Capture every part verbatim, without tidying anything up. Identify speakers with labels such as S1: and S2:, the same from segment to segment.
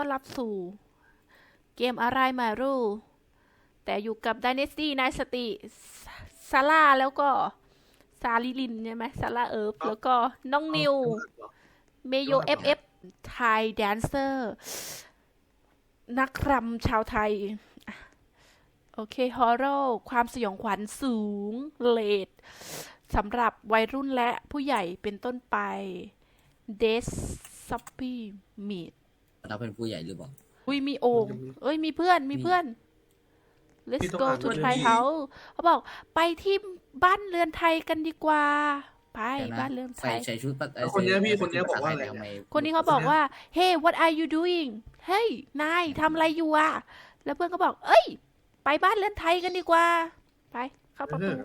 S1: รับสู่เกมอะไรไม่รู้แต่อยู่กับ Dynasty นายสติซาร่าแล้วก็ซาลิลินใช่ไหมซาร่าเอิร์ฟแล้วก็น้องนิวเมโยเอฟเอฟไทยแดนเซอร์นักรำชาวไทยโอเคฮอร์โรความสยองขวัญสูงเลดสำหรับวัยรุ่นและผู้ใหญ่เป็นต้นไปเดสซัปปี้มีด
S2: เราเป็นผู้ใหญ่หรือเปล่า
S1: อุ้ยมีโอ่งเอ้ยมีเพื่อนมีเพื่อน let's go to Thai house เขาบอกไปที่บ้านเรือนไทยกันดีกว่าไปบ้านเรือนไทย
S2: ใส่ชุด
S3: คนนี้พี่คนนี้บอกว่าอะไร
S1: คนนี้เขาบอกว่า hey what are you doing เฮ้ยนายทำอะไรอยู่อ่ะแล้วเพื่อนก็บอกเอ้ยไปบ้านเรือนไทยกันดีกว่าไปเข้าประตู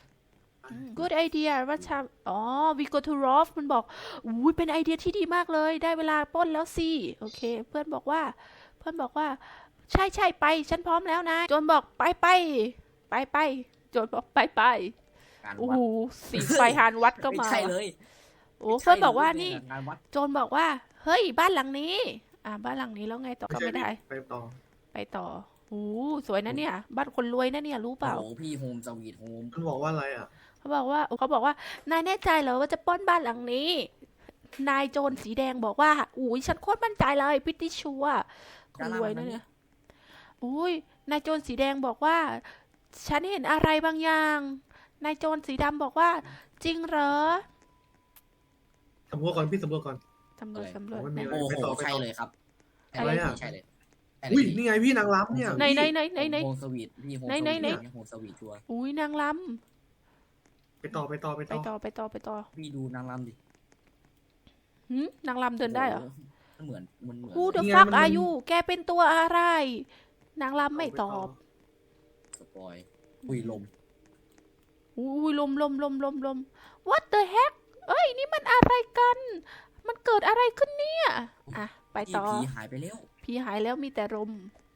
S1: good idea ว่าชาอ๋อ we go to Roth มันบอกอุ้ยเป็นไอเดียที่ดีมากเลยได้เวลาปล้นแล้วสิโอเคเพื่อนบอกว่าเพื่อนบอกว่าใช่ใช่ไปฉันพร้อมแล้วนะโจนบอกไปไปไปไปโจนบอกไปไปโอ้โหสีไฟหานวัดก็มาโอ้เพื่อนบอกว่านี่โจนบอกว่าเฮ้ยบ้านหลังนี้อ่าบ้านหลังนี้แล้วไงต่อก็ไม่ได้
S3: ไปต่อ
S1: ไปต่อโอ้สวยนะเนี่ยบ้านคนรวยนะเนี่ยรู้เปล่า
S2: โอ้พี่โฮมสวีทโฮม
S3: มันบอกว่าอะไรอ่ะ
S1: เขาบอกว่าเขาบอกว่านายแน่ใจเหรอว่าจะปล้นบ้านหลังนี้นายโจรสีแดงบอกว่าอุ้ยฉันโคตรมั่นใจเลยพิตตี้ชัวคนรวยนะเนี่ยอุ้ยนายโจรสีแดงบอกว่าฉันเห็นอะไรบางอย่างนายโจรสีดำบอกว่าจริงเหรอ
S3: สำรวจก่อนพี่สำรวจก่อน
S1: สำรวจสำรวจ
S2: โอ้โหใช่เลยครับ
S3: อะไรอ่ะ
S2: ใช่เลย
S3: อุ้ยนี่ไงพี่นางรำเนี่ย
S1: ไหนไหนไหนไหนไหน
S2: โฮมสวีทพี่โฮม
S1: ไหนไหนไหน
S2: โฮมสวีทชัว
S1: อุ้ยนางร
S3: ำไปต่อไปต่อไป
S1: ต่อไปต่อไปต่อ
S2: พี่ดูนางรำดิ
S1: หืมนางรำเดินได้เหรอ
S2: เหมือนมันเหมือน
S1: Who the fuck are you แกเป็นตัวอะไรนางรำไม่ตอบ
S2: สปอยอุ้ยลม
S1: อุ้ยลมลมลมลมลม What the heck เอ้ยนี่มันอะไรกันมันเกิดอะไรขึ้นเนี่ยอ่ะไปต่อ
S2: ผีหายไปแล้ว
S1: ผีหายแล้วมีแต่ลม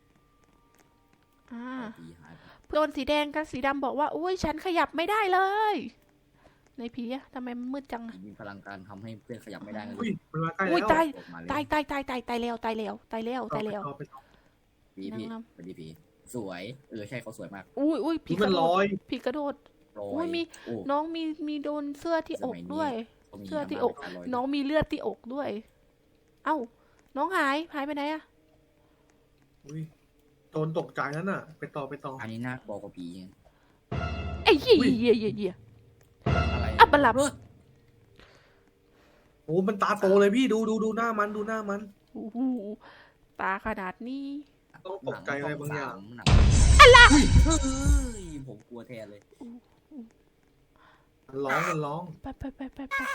S1: อ่าเพื่อนสีแดงกับสีดำบอกว่าอุ้ยฉันขยับไม่ได้เลยในผีอะทำไมมันมืดจัง
S2: มีพลังการทำให้เพื่อนขยับไม่ได้เลย
S3: อุ้ยมันมาใกล้แล้ว
S1: อุ้ยตายตายตายตายตายตายแล้วตายแล้วตายแล้วตายแล้ว
S2: ผีผีเป็นผีสวยเออใช่เขาสวยมาก
S1: อุ้ยอุ้ยผีกระโดดผีกระโดดอุ้ยมีน้องมีมีโดนเสื้อที่อกด้วยเสื้อที่อกน้องมีเลือดที่อกด้วยเอ้าน้องหายหายไปไหนอะ
S3: อุ้ยโดนตกใจนั่นน่ะไปต่อไปต่อ
S2: อันนี้น่าบอกว่าผี
S1: ไอ้เหี้ยเหี้ยเหี้ยเหี้ย
S2: อะไร
S1: อ่ะบัลลับ
S3: โอ้มันตาโตเลยพี่ดูดูดูหน้ามันดูหน้ามัน
S1: โอ้โหตาขนาดนี้
S3: ต้องตกใจอะไรบางอย่าง
S1: อะไร
S2: เฮ้ยผมกลัวแทนเลย
S3: มันร้องมันร้อง
S1: ไปไปไปไปไป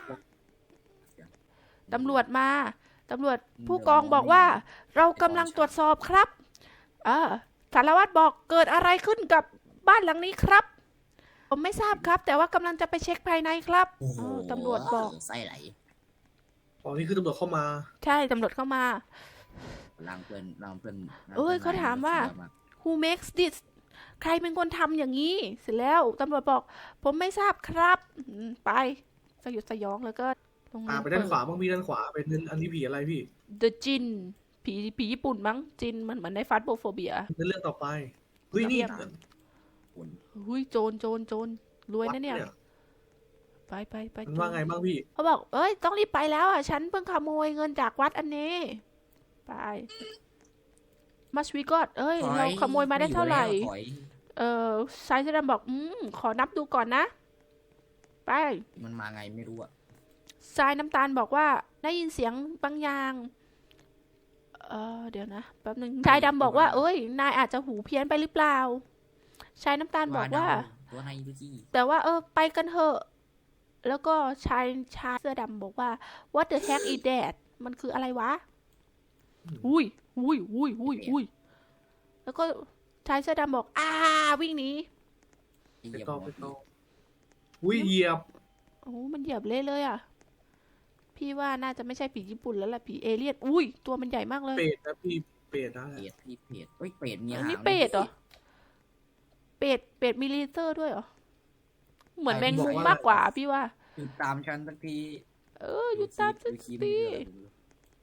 S1: ตำรวจมาตำรวจผู้กองบอกว่าเรากำลังตรวจสอบครับเออสารวัตรบอกเกิดอะไรขึ้นกับบ้านหลังนี้ครับผมไม่ทราบครับแต่ว่ากำลังจะไปเช็คภายในครับตำรวจบอก
S2: ไส้ไหล
S3: อ๋อนี่คือตำรวจเข้ามา
S1: ใช่ตำรวจเข้ามา
S2: ลางเพื่อนลางเพื่อน
S1: เอ้ยเขาถามว่า who makes this ใครเป็นคนทำอย่างนี้เสร็จแล้วตำรวจบอกผมไม่ทราบครับไปสยดสยองแล้วก็
S3: อ่าไปด้านขวาบ้างพี่ด้านขวาเป็นอันนี้ผีอะไรพี่
S1: The Jin ผีผีญี่ปุ่นมั้งจินมันเหมือนในฟาสโบโฟเบีย
S3: เรื่องต่อไปเฮ้ยนี่
S1: เฮ้ยโจรโจรโจรรวยนะเนี่ยไปไปไป
S3: ว่าไงบ้างพี่
S1: เขาบอกเอ้ยต้องรีบไปแล้วอ่ะฉันเพิ่งขโมยเงินจากวัดอันนี้ไปมัชวีกอดเอ้ยเราขโมยมาได้เท่าไหร่เออชายเสื้อดำบอกอืมขอนับดูก่อนนะไป
S2: มันมาไงไม่รู้อะ
S1: ชายน้ำตาลบอกว่าได้ยินเสียงบางอย่างเออเดี๋ยวนะแป๊บนึงชายดำบอกว่าเอ้ยนายอาจจะหูเพี้ยนไปหรือเปล่าชายน้ำตาลบอกว่าแต่ว่าเออไปกันเถอะแล้วก็ชายชายเสื้อดำบอกว่า what the heck is that มันคืออะไรวะอุ้ยอุ้ยอุ้ยอุ้ยอุ้ยแล้วก็ชายเสื้อดำบอกอ่าวิ่งหนี
S3: ไปต่อไปต่ออุ้ยเหยียบ
S1: โอ้มันเหยียบเละเลยอ่ะพี่ว่าน่าจะไม่ใช่ผีญี่ปุ่นแล้วล่ะผีเอเลี่ยนอุ้ยตัวมันใหญ่มากเลย
S3: เป็ดนะพี่เป็ดนะ
S2: เป็ดพี่เป็ดเฮ้ยเป็ดมีหาง
S1: นี่เป็ดเหรอเป็ดเป็ดมีเลเซอร์ด้วยเหรอเหมือนแมงมุมมากกว่าพี่ว่า
S2: หยุดตามฉันสักที
S1: เออหยุดตามฉันสิ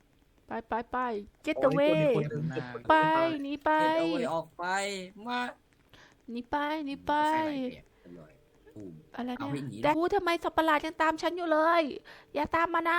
S1: ไปไปไป get
S3: โอ้ย
S1: away
S3: คนหนึ่งเจ็บคนหนึ่ง
S1: ไป
S3: ตาย
S1: หนีไป
S2: เดินเอาไว้ออกไปมา
S1: หนีไปหนีไป
S2: ใครไหลเปียกเรียบร้อยตูม
S1: อะไร
S2: เอา
S1: เนี่ย
S2: วิ่งหนี
S1: แต่กูทำไมสัตว์ประหลาดยังตามฉันอยู่เลย อย่าตามมานะ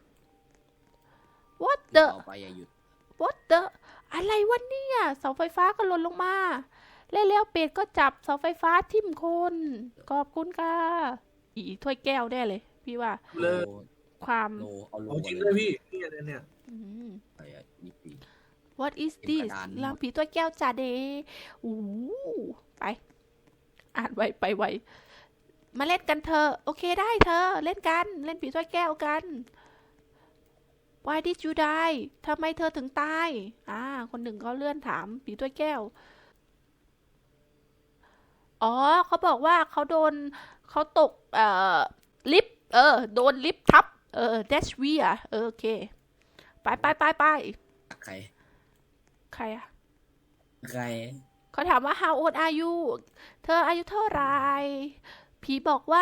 S1: what the
S2: เอาไปอย่าหยุด
S1: what the อะไรวะเนี่ยเสาไฟฟ้าก็หล่นลงมาแล้วเป็ดก็จับเสาไฟฟ้าทิ่มคนขอบคุณค่ะอีถ้วยแก้วแน่เลย พี่ว่า
S3: เลย
S1: ความ
S2: โลเอาโล
S3: เอาจริงเลยพี่นี่อะไรเนี่ย
S1: อืม
S2: ไปอ่ะยี่ปี
S1: what is
S2: เป็น
S1: this
S2: กระดาน
S1: ลางผีตัวแก้วจ่าเดอู้ไป อ่านไวไปไว มาเล่นกันเถอะโอเคได้เธอ เล่นกัน เล่นผีถ้วยแก้วกัน Why did you die ทำไมเธอถึงตาย อ่า คนหนึ่งเขาเลื่อนถามผีถ้วยแก้ว อ๋อ เขาบอกว่าเขาโดน เขาตก เอ่อ ลิฟต์ เออ โดนลิฟต์ทับ เออ that's weird เออโอเค ไปไปไปไป
S2: ใคร
S1: ใครอะ
S2: ใคร
S1: เขาถามว่า how old are you เธออายุเท่าไหรผีบอกว่า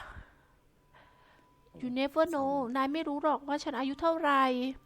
S1: you never know นายไม่รู้หรอกว่าฉันอายุเท่าไหร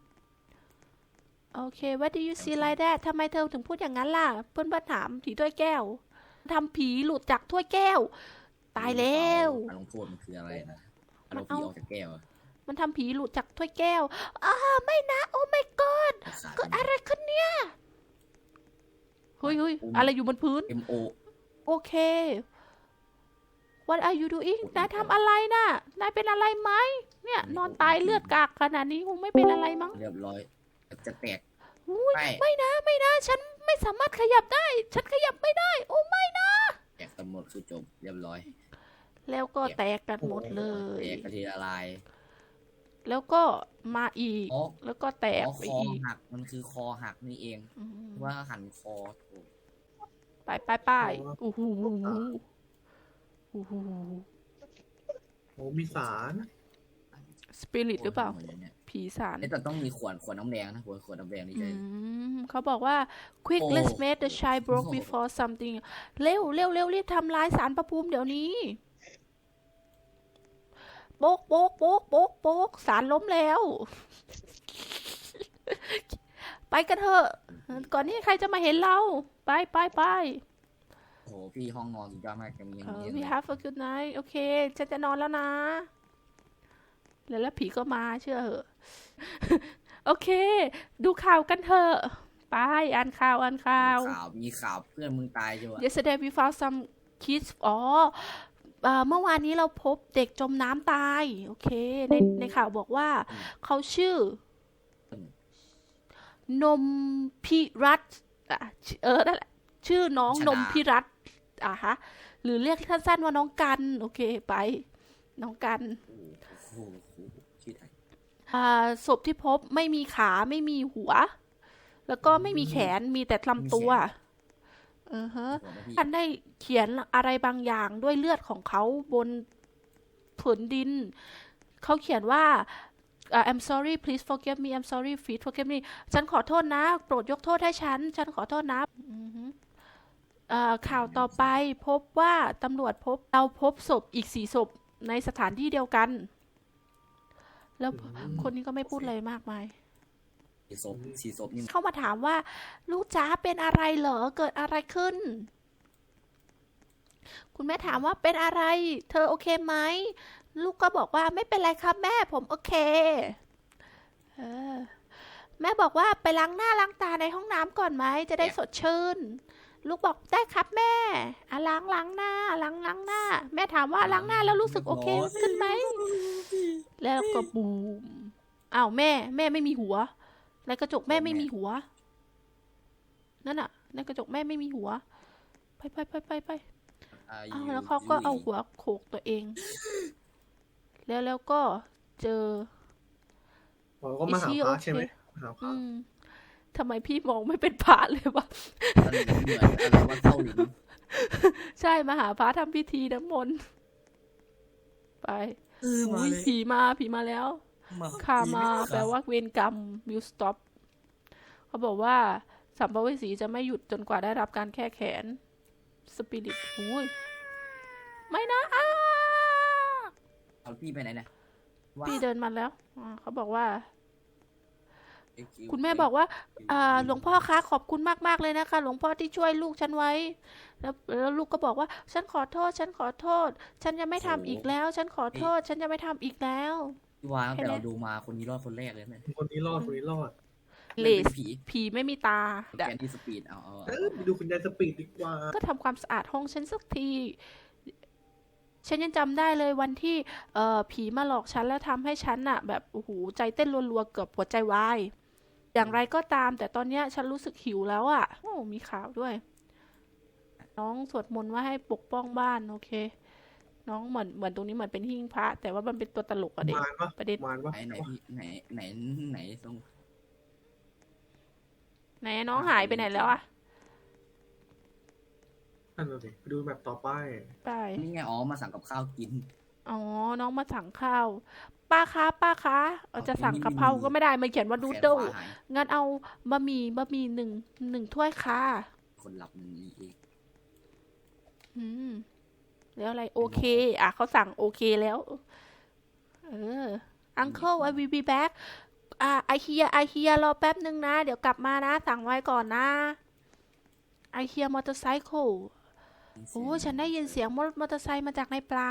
S1: โอเค what do you see like that ทำไมเธอถึงพูดอย่างนั้นล่ะ เพื่อนบ้านถามผีถ้วยแก้วทำผีหลุดจากถ้วยแก้ว ตายแล้ว
S2: อารมณ์โทษมันคืออะไรนะอารมณ์ผีออกจากแก้วอะ
S1: มันทำผีหลุดจากถ้วยแก้วอ้าไม่นะ โอ้ my god
S2: ขาด
S1: เกิดอะไรขึ้นเนี่ย เฮ้ยเฮ้ยอะไรอยู่บนพื้น
S2: เอ็มโอ
S1: โอเค What are you doing นายทำอะไรน่ะ นายเป็นอะไรไหม เนี่ย นอนตายเลือดกากขนาดนี้คงไม่เป็นอะไรมั้ง
S2: เรียบร้อยจะแตก
S1: อุ๊ย
S2: ไป
S1: ไม่นะ ไม่นะ ฉันไม่สามารถขยับได้ ฉันขยับไม่ได้ โอ้ไม่นะ
S2: แตกกันหมดคือจบเรียบร้อย
S1: แล้วก็แตกกันหมดเลย
S2: แตกกระทีละลาย
S1: แล้วก็มาอีก
S2: อ๋อ
S1: แล้วก็แตก
S2: อ๋อ
S1: ไป
S2: คอ
S1: อีก
S2: หักมันคือคอหักนี่เอง
S1: อืม
S2: ว่าหันคอโอ้
S1: ไปไปไปโอ้โหโอ้โห
S3: โอ้มีสาร
S1: สปิริตหรือเปล่า
S2: โหดลยนี่ย
S1: ผีสาร
S2: นี่แต่ต้องมีขวดขวดน้ำแดงนะขวดขวดน้ำแดงนี่
S1: อื
S2: ใช่
S1: มเขาบอกว่า quick
S2: โอ้
S1: let's make the child broke
S2: โอ้
S1: before something เร็วเร็วเร็วรีบทำลายสารประภูมิเดี๋ยวนี้โป๊กโป๊กโป๊กโป๊กโป๊กสารล้มแล้ว ไปกันเถอะ ก่อนที่ใครจะมาเห็นเรา ไปไปไป
S2: โอ้โหพี่ห้องนอนสุดยอดมากยังมี
S1: เออ
S2: ยัง
S1: we
S2: มี
S1: have a good night โอเค ฉันจะนอนแล้วนะ แล้วแล้วผีก็มาเชื่อเหอะ โอเค ดูข่าวกันเถอะ ไป อ่านข่าว อ่านข่าว
S2: ข่าวมีข่าวเพื่อนมึงตายใช่ไหม
S1: yesterday we found some kids อ๋อเอ่อเมื่อวานนี้เราพบเด็กจมน้ำตาย โอเค ในในข่าวบอกว่า เขาชื่อ นมพิรัตน์อ่ะเออนั่นแหละชื่อน้องนมพิรัตน์อ่ะฮะ หรือเรียกสั้นๆว่าน้องกัน โอเคไป น้องกัน
S2: โอ้โหชื่อไทย
S1: อ่าศพที่พบไม่มีขาไม่มีหัว แล้วก็ไม่มีแขนมีแต่ลำตัวเออฮะ
S2: หัวนะพี่
S1: ท่านได้เขียนอะไรบางอย่างด้วยเลือดของเขาบนผืนดิน เขาเขียนว่า uh, I'm sorry please forgive me I'm sorry please forgive me ฉันขอโทษนะ โปรดยกโทษให้ฉัน ฉันขอโทษนะอือฮึเอ่อข่าวต่อไปพบว่าตำรวจพบเราพบศพอีกสี่ศพในสถานที่เดียวกัน แล้วคนนี้ก็ไม่พูดอะไรมากมาย
S2: สีศพสีศพนี่
S1: เข้ามาถามว่า ลูกจ๋าเป็นอะไรเหรอ เกิดอะไรขึ้น คุณแม่ถามว่าเป็นอะไร เธอโอเคไหม ลูกก็บอกว่าไม่เป็นไรครับแม่ผมโอเคเออแม่บอกว่าไปล้างหน้าล้างตาในห้องน้ำก่อนไหมจะได้สดชื่น ลูกบอกได้ครับแม่อ่ะล้างล้างหน้าล้างล้างหน้า แม่ถามว่าล้างหน้าแล้วรู้สึกโอเคขึ้นไหม แล้วก็บูมอ้าวแม่ แม่ไม่มีหัว ในกระจกแม่ไม่มีหัว นั่นน่ะ ในกระจกแม่ไม่มีหัว ไปไปไปไปไปอ้าวแล้วเขาก็เอาหัวโขกตัวเอง แล้วแล้วก็เจอ
S3: เราก็มาหาพระใช่ไหมหาพระ
S1: อืมทำไมพี่มองไม่เป็นพระเลยวะ
S2: มันเหมือนอะไรว่าเข้าหลิน
S1: ใช่มาหาพระทำพิธีน้ำมนต์ไป
S2: เออมา
S1: อุ๊ย
S2: เลย
S1: ผีมาผีมาแล้ว คามาแปลว่าเวรกรรม will stop เขาบอกว่าสัมภเวสีจะไม่หยุดจนกว่าได้รับการแก้แค้นสปิริตอุ้ยไม่นะอ้า
S2: เอาพี่ไปไหนเนี่ยว้า
S1: พี่เดินมาแล้วอ่าเขาบอกว่าคุณแม่บอกว่าอ่าหลวงพ่อคะขอบคุณมากๆเลยนะคะ หลวงพ่อที่ช่วยลูกฉันไว้ แล้วแล้วลูกก็บอกว่า ฉันขอโทษ ฉันขอโทษ ฉันจะไม่ทำอีกแล้ว ฉันขอโทษ ฉันจะไม่ทำอีกแล้ว
S2: พี่วาตั้งแต่เราดูมาคนนี้รอดคนแรกเลยเนี่ย
S3: คนนี้รอดคนนี้รอด
S1: เลส
S2: ผี
S1: ผีไม่มีตา
S2: แกนที่สปีดเอาเอา
S3: เออไปดูคุณยายสปีดดีกว่า
S1: ก็ทำความสะอาดห้องฉันสักที ฉันยังจำได้เลยวันที่เอ่อผีมาหลอกฉันแล้วทำให้ฉันน่ะ แบบโอ้โหใจเต้นรัวๆเกือบหัวใจวาย อย่างไรก็ตาม แต่ตอนเนี้ยฉันรู้สึกหิวแล้วอ่ะ โอ้มีข่าวด้วย น้องสวดมนต์ว่าให้ปกป้องบ้านโอเค น้องเหมือนเหมือนตรงนี้เหมือนเป็นหิ้งพระ แต่ว่ามันเป็นตัวตลกอะเด็ก
S3: มารปะ
S1: ประเด็น
S3: มารปะ
S2: ไหนไหนพี่ไหนไหนไหนตรง
S1: ไหนน้องหายไปไหนแล้วอะ
S3: นั่นน่ะสิไปดูแบบต่อไป
S1: ไป
S2: นี่ไงอ๋อมาสั่งกับข้าวกิน
S1: อ๋อ น้องมาสั่งข้าว ป้าคะ ป้าคะเอาจะสั่งกะเพราก็ไม่ได้ มันเขียนว่านูดเดิล
S2: แขนขวาหาย
S1: งั้นเอาบะหมี่บะหมี่หนึ่งหนึ่งถ้วยค่ะ
S2: คนหลับมันนี่เอง
S1: อืม แล้วอะไร โอเค อ่ะเขาสั่งโอเคแล้ว เออ Uncle I will be back อ่า I hear I hear รอแป๊บนึงนะ เดี๋ยวกลับมานะ สั่งไว้ก่อนนะ I hear motorcycle โอ้ฉันได้ยินเสียงมอมอเตอร์ไซค์มาจากในปลา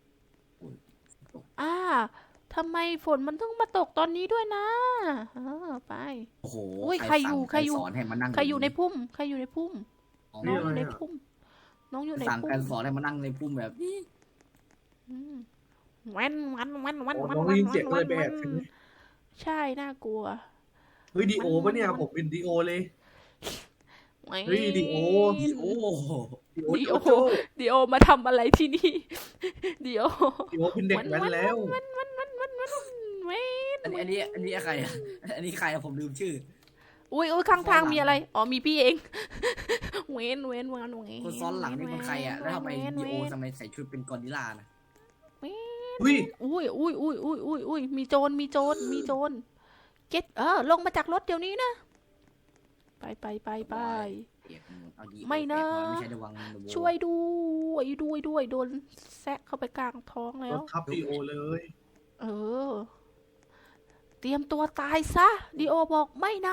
S1: อ่าทำไมฝนมันต้องมาตกตอนนี้ด้วยนะเออไป
S2: โอ้โห
S1: อุ้ยใครอยู่
S2: สั่ง
S1: ใครอยู่
S2: สอนให้มานั่ง
S1: ใครอยู่ในพุ่ม ใครอยู่ในพุ่ม
S2: อ๋อ
S1: น้องอยู่ในพุ่ม น้องอยู่ใน
S2: สั่ง
S1: พุ่
S2: การ
S1: ม
S2: สอนให้มานั่งในพุ่มแบบนี้
S1: อืมแวันแวันแวันแวัน
S3: โอ้
S1: แวัน
S3: น้อง
S1: แวั
S3: ได้
S1: น
S3: ยินเสียง
S1: แวั
S3: อะไร
S1: น
S3: ไป
S1: แวั
S3: แอน บใช่ไหม
S1: ใช่ น่ากลัว
S3: เฮ้ยดีโอปะเนี่ยผมเป็นดีโอเลย เฮ้ยดีโอ
S2: อีโอ้
S3: ดีโอ
S1: ดี
S3: โจ
S1: โอ
S3: โจ
S1: ดีโอมาทำอะไรที่นี่ ดีโอ
S3: ดีโอเป็นเด็กแว้นแล้ว
S1: แวันแวันแวันแวันแวันแวน
S2: อันนี้อันนี้อันนี้ใครอ่ะอันนี้ใครอะผมลืมชื่อ
S1: อุ้ยอุ้ยข้างทาง
S2: ซ้อนหลัง
S1: มีอะไร อ๋อ มีพี่เอง เวนเวนเวนเวน
S2: คนซ้อนหลังนี่เป็นใครอ่ะแล้วทำไม
S1: เวน
S2: ดีโอ
S1: เวน
S2: ทำไมใส่ชุดเป็นกอริลลานะ
S3: อุ้ย
S1: อุ้ยอุ้ยอุ้ยอุ้ยอุ้ยอุ้ยมีโจร มีโจร มีโจร เก็ตเออ ลงมาจากรถเดี๋ยวนี้นะ ไปไปไปไป
S2: เปียกหมดเอาดี
S1: ไม่นะ
S2: เปียกหอยไม่ใช่ระวังนะโว้
S1: ช่วยด้วยด้วยด้วยโดนแซะเข้าไปกลางท้องแล้
S3: ร
S1: ว
S3: ถทับดีโอเลย
S1: เออ เตรียมตัวตายซะดีโอบอกไม่นะ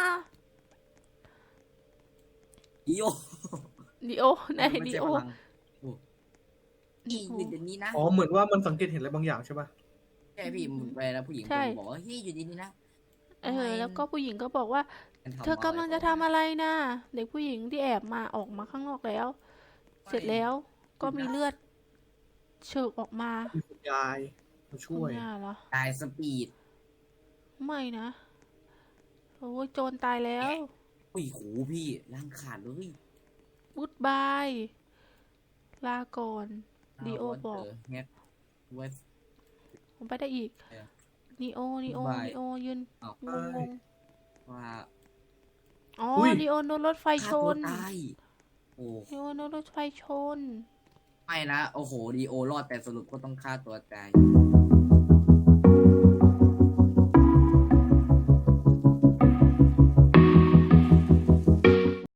S2: ดีโอ
S1: ดีโอไหน
S2: ไม่
S1: ดี
S2: ใช่
S1: โอ
S2: พลังโอ้นี่อยู่เดี๋ยวนี้นะ
S3: อ๋อเหมือนว่ามันสังเกตเห็นอะไรบางอย่างใช่ปะ
S2: ใช่พี่มึงไปแล้วผู้หญิง
S1: ใช่
S2: บอกว่าเฮ้ยอยู่ดีนี่นะ
S1: เออ แล้วก็ผู้หญิงก็บอกว่า เธอกำลังจะทำอะไรนะเด็กผู้หญิงที่แอบมาออกมาข้างนอกแล้ว เสร็จแล้วก็มีเลือดเฉิกออกมา
S3: มีคุณยายมาช่วย
S1: คุณย่าเหรอ
S2: ตายสปีด
S1: ไม่นะโอ้ยโจรตายแล้ว
S2: อุ้ยโหพี่ร่างขาดเลย
S1: บุดบาย ลาก่อน ดีโอบอก
S2: เงี้ยเวส
S1: ผมไปได้อีก
S2: เออ
S1: นีโอนีโอ
S2: Goodbye
S1: นีโอยืน
S2: อ้าว
S1: งงงง
S2: ว่า
S1: อ๋อ
S3: อุ้ย
S1: นีโอโดนรถไฟช
S2: ฆ่าตัวน ตายโอ้
S1: นีโอโดนรถไฟชน
S2: ไม่นะโอ้โหดีโอรอดแต่สรุปก็ต้องฆ่าตัวตาย